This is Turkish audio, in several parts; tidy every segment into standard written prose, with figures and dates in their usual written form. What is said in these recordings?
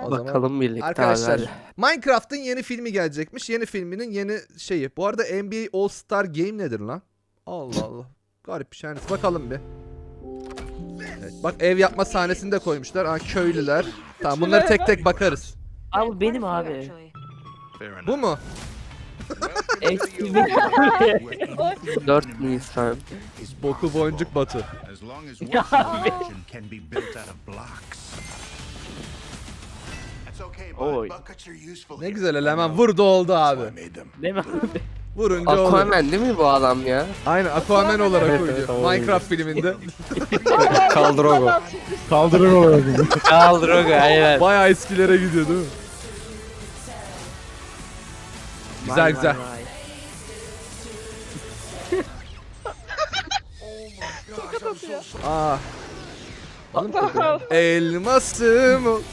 O Bakalım zaman birlikte arkadaşlar abi. Minecraft'ın yeni filmi gelecekmiş. Yeni filminin yeni şeyi. Bu arada NBA All Star Game nedir lan? Allah Allah. Garip bir şey. Bakalım bir. Evet, bak ev yapma sahnesini de koymuşlar. Aa, köylüler. Tamam bunları tek tek bakarız. Abi benim abi. Bu mu? Eski 4 Nisan. Boku boncuk Batu. Ya abi. Oy. Ne güzel ele hemen vurdu oldu abi. Değil mi abi? Vurunca oldu. Aquaman değil mi bu adam ya? Aynen Aquaman olarak Evet, oynuyor. evet, o Minecraft filminde. Kaldrogo. Kaldırır olarak. Kaldrogo aynen. Bayağı eskilere gidiyor değil mi? Güzel Vay, güzel. vay, vay. Aa. Elmasım. ol-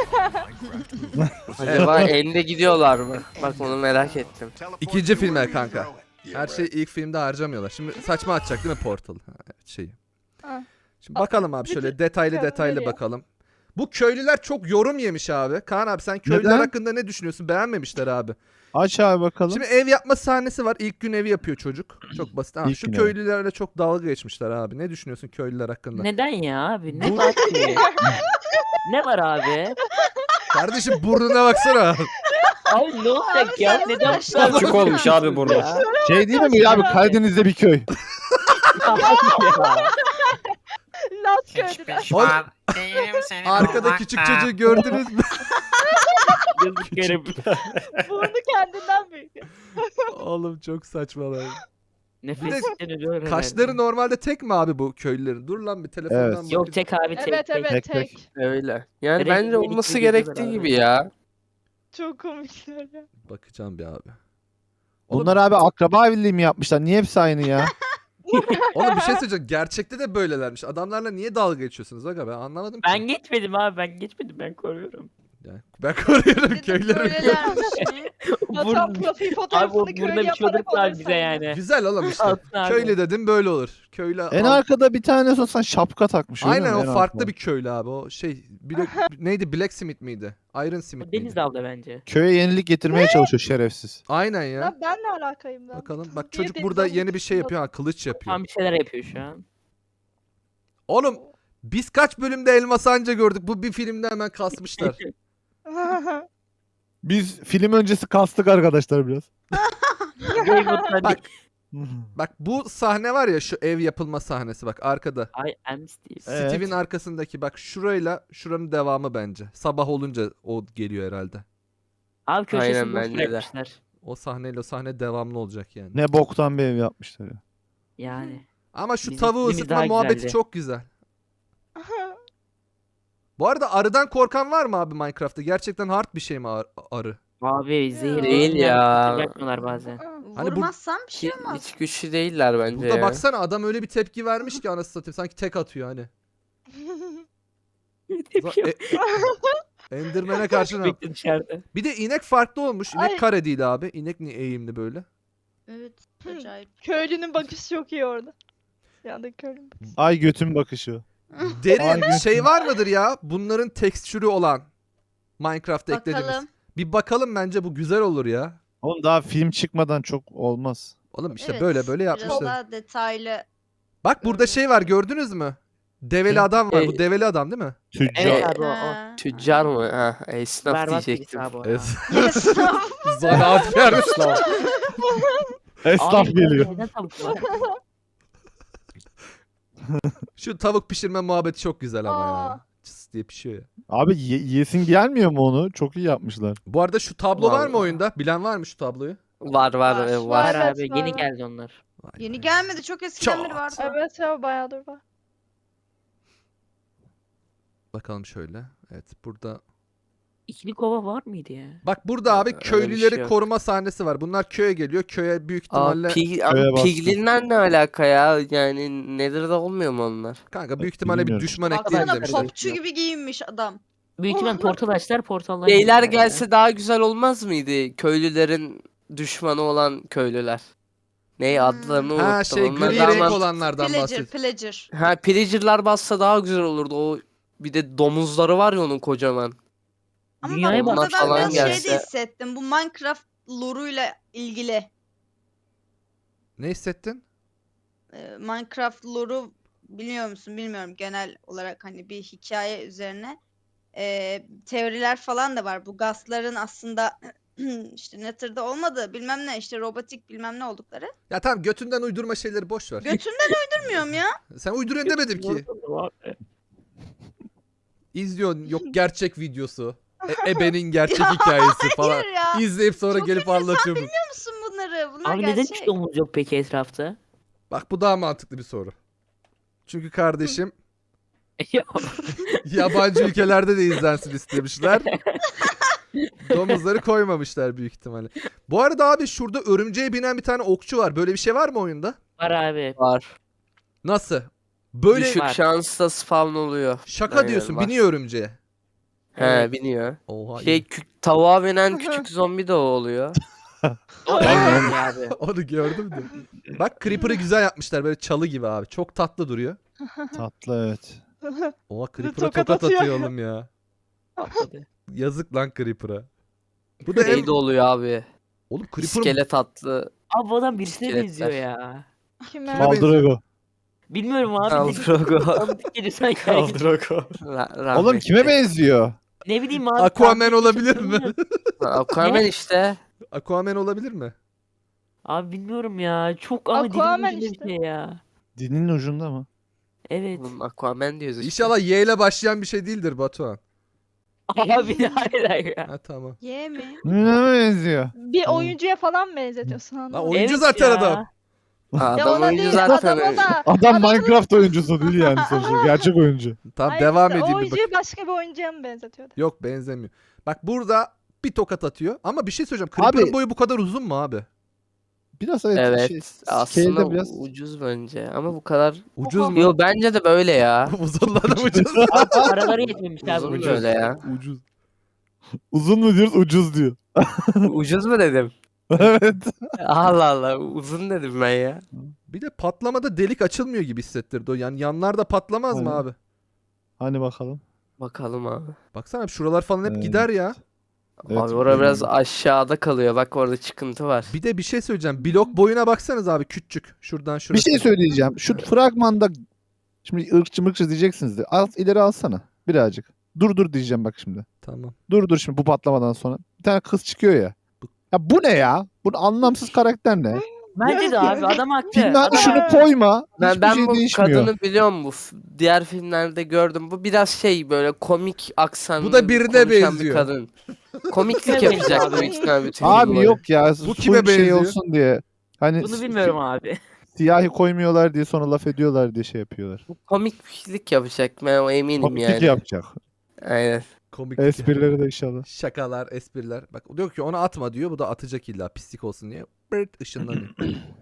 Acaba elinde gidiyorlar mı? Bak onu merak ettim. İkinci filme kanka. Her şeyi ilk filmde harcamıyorlar. Şimdi saçma atacak değil mi Portal? Ha, evet, şeyi. Ha. Şimdi bakalım abi şöyle detaylı Köylüler ya. bakalım. Bu köylüler çok yorum yemiş abi. Kaan abi sen köylüler Neden? hakkında ne düşünüyorsun? Beğenmemişler abi. Aç abi bakalım. Şimdi ev yapma sahnesi var. İlk gün evi yapıyor çocuk. Çok basit. Ha, İlk şu gün evi. köylülerle çok dalga geçmişler abi. Ne düşünüyorsun köylüler hakkında? Neden ya abi? Ne var ki? Ne var abi? Kardeşim burnuna baksana. Abi ne olacak ya? Neden bu kadar Küçük olmuş abi burnu. ya? Şey değil mi abi Karadeniz'de bir köy. Abi ya. Las köylüler. Arkada küçük çocuğu gördünüz mü? Yazık herif. Burnu kendinden büyük. Oğlum çok saçmalar. Nefesinden ölüyor Kaşları herhalde. normalde tek mi abi bu köylülerin? Dur lan bir telefondan Evet. bakayım. Yok tek abi tek. Evet tek. evet Tek, tek. Öyle. Yani Direkt bence birlikte olması gidiyorlar gerektiği abi. gibi ya. Çok komikler ya. Bakacağım bir abi. Bunlar abi akraba birliği mi yapmışlar? Niye hepsi aynı ya? Oğlum bir şey söyleyeceğim. Gerçekte de böylelermiş. Adamlarla niye dalga geçiyorsunuz aga ben anlamadım ki. Ben geçmedim abi ben geçmedim ben koruyorum. Yani ben koruyorum köylerimi. Böylelermiş. Vatan Vur- profil Abi fotoğrafını o köylü burada bir şey yaparak olursa bize alırsan. yani. Güzel oğlum işte. Altın abi. Köylü dedim böyle olur. Köylü En al- arkada bir tane sorsan şapka takmış. öyle Aynen mi? o En farklı arkada. bir köylü abi. O şey neydi Blacksmith miydi? Iron Smith O miydi? Deniz dalda bence. Köye yenilik getirmeye çalışıyor şerefsiz. Aynen ya. Lan ben ne alakayım lan? Bakalım bak Niye çocuk deniz burada almış? yeni bir şey yapıyor ha kılıç yapıyor. Tam bir şeyler yapıyor şu an. Oğlum biz kaç bölümde Elmas Anca gördük. Bu bir filmde hemen kasmışlar. Biz film öncesi kastık arkadaşlar biraz. Game of Bak. Bak bu sahne var ya şu ev yapılma sahnesi bak arkada. I am Steve. Evet. Steve'in arkasındaki bak şurayla şuranın devamı bence. Sabah olunca o geliyor herhalde. Abi köşesini Aynen, boş bence de. bırakmışlar. O sahneyle o sahne devamlı olacak yani. Ne boktan bir ev yapmışlar ya. Yani. Ama şu Bizim tavuğu filmimiz ısıtma daha muhabbeti güzeldi. çok güzel. Bu arada arıdan korkan var mı abi Minecraft'ta? Gerçekten hard bir şey mi arı? Abi zehir Değil ya. Yapmıyorlar bazen. Hani bu- Vurmazsam bir şey Ki, olmaz. hiç güçlü değiller bence Burada ya. baksana adam öyle bir tepki vermiş ki anasını satayım. Sanki tek atıyor hani. Enderman'e karşı ne yap- Bekle dışarıda. Bir de inek farklı olmuş. İnek Ay. kare değil abi. İnek niye eğimli böyle? Evet. Acayip. Köylünün bakışı çok iyi orada. Yandaki köylünün bakışı. Ay götün bakışı. Derin Aynen. şey var mıdır ya? Bunların tekstürü olan Minecraft'ta eklediğimiz. Bakalım. Bir bakalım bence bu güzel olur ya. Oğlum daha film çıkmadan çok olmaz. Oğlum işte Evet, böyle böyle Biraz yapmışlar. daha detaylı. Bak burada şey var gördünüz mü? Develi adam var. Bu develi adam değil mi? Tüccar. Evet abi o. Ha. Tüccar mı? Ha, esnaf Berbat diyecektim. birisi abi o. Zanaatkar Müslüman. Esnaf Abi, geliyor. neden tavuk var? Şu tavuk pişirme muhabbeti çok güzel ama ya. Aa. Çıs diye pişiyor ya. Abi yesin gelmiyor mu onu? Çok iyi yapmışlar. Bu arada şu tablo var mı Vallahi. oyunda? Bilen var mı şu tabloyu? Var Var. var. Var Evet, abi yeni var. geldi onlar. Vay Yeni be. gelmedi. Çok eskiden Çok. beri vardı. Evet ya bayağıdır var. Bakalım şöyle. Evet burada. İkili kova var mıydı ya? Bak burada abi Öyle bir köylüleri şey yok. koruma sahnesi var. Bunlar köye geliyor. Köye büyük Aa, ihtimalle Köye bastı. piglinler ne alaka ya? Yani Nether'da olmuyor mu onlar? kanka büyük ihtimalle bir Bilmiyorum. düşman ekleyelim Baksana demişler. popçu gibi giyinmiş adam. Büyük ihtimal portal açtılar portallar. Beyler girdiler ya. gelse daha güzel olmaz mıydı? Köylülerin düşmanı olan köylüler. Ney adlarını unuttum. Ha şey Onlar gri daha renk mantıklı. olanlardan Pillager, bahsediyor. pillager. Ha pillager'lar bassa daha güzel olurdu. O bir de domuzları var ya onun kocaman. Ama Dünyaya bak bu bak kadar falan biraz şey de gelse. hissettim. Bu Minecraft lore'uyla ilgili. Ne hissettin? Minecraft lore'u biliyor musun bilmiyorum, genel olarak hani bir hikaye üzerine teoriler falan da var. Bu gasların aslında işte Nether'da olmadığı, bilmem ne, işte robotik bilmem ne oldukları. Ya tamam, götünden uydurma şeyleri boş ver. Götümden uydurmuyorum ya. Sen uyduruyorsun demedim ki. İzliyorsun, yok gerçek videosu. Ebe'nin gerçek hikayesi falan. Hayır ya. İzleyip sonra Çok gelip eminim, anlatıyor bu. Biliyor musun bunları? Bunlar Abi neden gerçek. hiç domuz yok peki etrafta? Bak bu daha mantıklı bir soru. Çünkü kardeşim yabancı ülkelerde de izlensin istemişler. Domuzları koymamışlar büyük ihtimalle. Bu arada abi şurada örümceğe binen bir tane okçu var. Böyle bir şey var mı oyunda? Var abi. Var. Nasıl? Böyle Düşük Var. şansla spawn oluyor. şaka Aynen, diyorsun, var. biniyor örümceğe. He Evet. biniyor. Oha. Şey tavuğa binen küçük zombi de o oluyor. O en önemli abi. Onu gördüm de. Bak Creeper'ı güzel yapmışlar, böyle çalı gibi abi. Çok tatlı duruyor. Tatlı evet. Oha Creeper'a Tokat tokat atıyor. atıyor oğlum ya. Patladı. Yazık lan Creeper'a. Bu da Şey de oluyor abi. Oğlum Creeper'ın İskelet atlı. Abi bu adam birisine İskeletler. benziyor ya. Kime? Kime benziyor? Kaldırıyor. Bilmiyorum abi. Kaldrogo. Tanıdık geliyor sanki. Oğlum kime benziyor? Ne bileyim abi. Aquaman tahmin olabilir etmeye mi? çalışıyorum. Aquaman işte. Aquaman olabilir mi? Abi bilmiyorum ya. Çok ama dilimin Aquaman ucunda işte. bir şey ya. Dilinin ucunda mı? Evet. Oğlum Aquaman diyoruz işte. İnşallah Y ile başlayan bir şey değildir Batuhan. Abi hayır hayır ya. Ha tamam. Ye mi? Ne benziyor? Bir Tamam. oyuncuya falan benzetiyorsun Lan anlamadım. oyuncu Evet zaten ya. adam. Ha, Ya adam ona oyuncu değil, zaten. adam o da. Adam Adamın- Minecraft oyuncusu değil yani sonuçta. Gerçek oyuncu. Tamam Hayır, devam işte o edeyim bir bak. oyuncuyu başka bir oyuncuya mı benzetiyordu? Yok benzemiyor. Bak burada bir tokat atıyor. Ama bir şey söyleyeceğim. Creeper'ın Abi- boyu bu kadar uzun mu abi? Biraz evet. Evet. Şey, Aslında scale'de biraz. ucuz bence. Ama bu kadar. Ucuz mu? Yo bence de böyle ya. Uzun lan ucuz. Abi paraları yetmemiş abi. Uzun ucuz. böyle ya. Ucuz. Uzun mu diyoruz, ucuz diyor. Ucuz mu dedim? Evet. Allah Allah. Uzun dedim ben ya. Bir de patlamada delik açılmıyor gibi hissettirdi o. Yani yanlarda patlamaz mı Aynen. abi? Hani bakalım. Bakalım abi. Baksana şuralar falan hep Evet. gider ya. Evet, Abi orada biraz bilmiyorum. aşağıda kalıyor. Bak orada çıkıntı var. Bir de bir şey söyleyeceğim. Blok boyuna baksanız abi, küçük. Şuradan Bir şurası. şey söyleyeceğim. Şu fragmanda şimdi ırkçı mırkçı diyeceksiniz de. İleri alsana birazcık. Dur diyeceğim bak şimdi. Tamam. Dur şimdi bu patlamadan sonra. Bir tane kız çıkıyor ya. Ya bu ne ya? Bu anlamsız karakter ne? Bence de abi adam haklı. Filme hani Adam- şunu koyma. Hiçbir Ben şey bu değişmiyor. kadını biliyorum bu. Diğer filmlerde gördüm. Bu biraz şey böyle komik aksanlı. Bu da birine konuşan bir benziyor. kadın. Komiklik Evet yapacak abi. büyük ihtimal bütün Abi film boyu. yok ya. Bu Bu kime kime şey benziyor? olsun diye. Hani Bunu bilmiyorum abi. siyahi koymuyorlar diye sonra laf ediyorlar diye şey yapıyorlar. Bu komiklik yapacak. Ben o eminim Komiklik yani. yapacak. Aynen. Komik. Esprileri de inşallah. Şakalar, espriler. Bak diyor ki onu atma diyor. Bu da atacak illa pislik olsun diye. Bırt ışınlanıyor.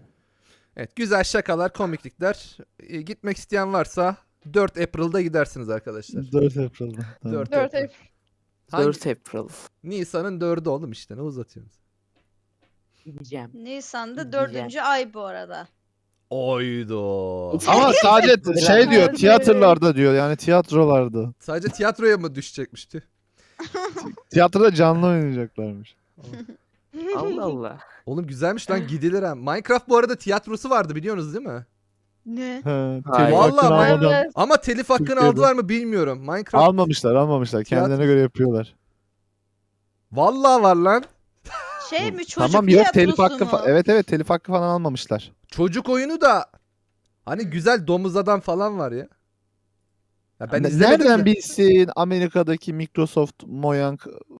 Evet, güzel şakalar, komiklikler. Gitmek isteyen varsa 4 April'da gidersiniz arkadaşlar. 4 April'da. Tamam. 4 4 April. Hangi- 4 April. Nisan'ın 4'ü oğlum işte, ne uzatıyorsunuz? Diyeceğim. Nisan'da Güzel. 4. ay bu arada. Oydo. Ama sadece şey diyor, Evet. tiyatrolarda diyor. Yani tiyatrolarda. Sadece tiyatroya mı düşecekmişti? Tiyatroda canlı oynayacaklarmış. Allah Allah. Oğlum güzelmiş lan, gidilir ha. Minecraft bu arada tiyatrosu vardı, biliyorsunuz değil mi? Ne? He, Hayır. telif hakkını Vallahi almadan- Evet. Ama telif hakkını Türkiye'de. aldılar mı bilmiyorum. Minecraft. Almamışlar. Kendilerine göre yapıyorlar. Vallahi var lan. Şey mi, çocuk Tamam yok telif tiyatrosu hakkı mu? evet telif hakkı falan almamışlar. Çocuk oyunu da hani güzel, domuz adam falan var ya. Ya ben izlemedim Nereden de. bilsin Amerika'daki Microsoft Mojang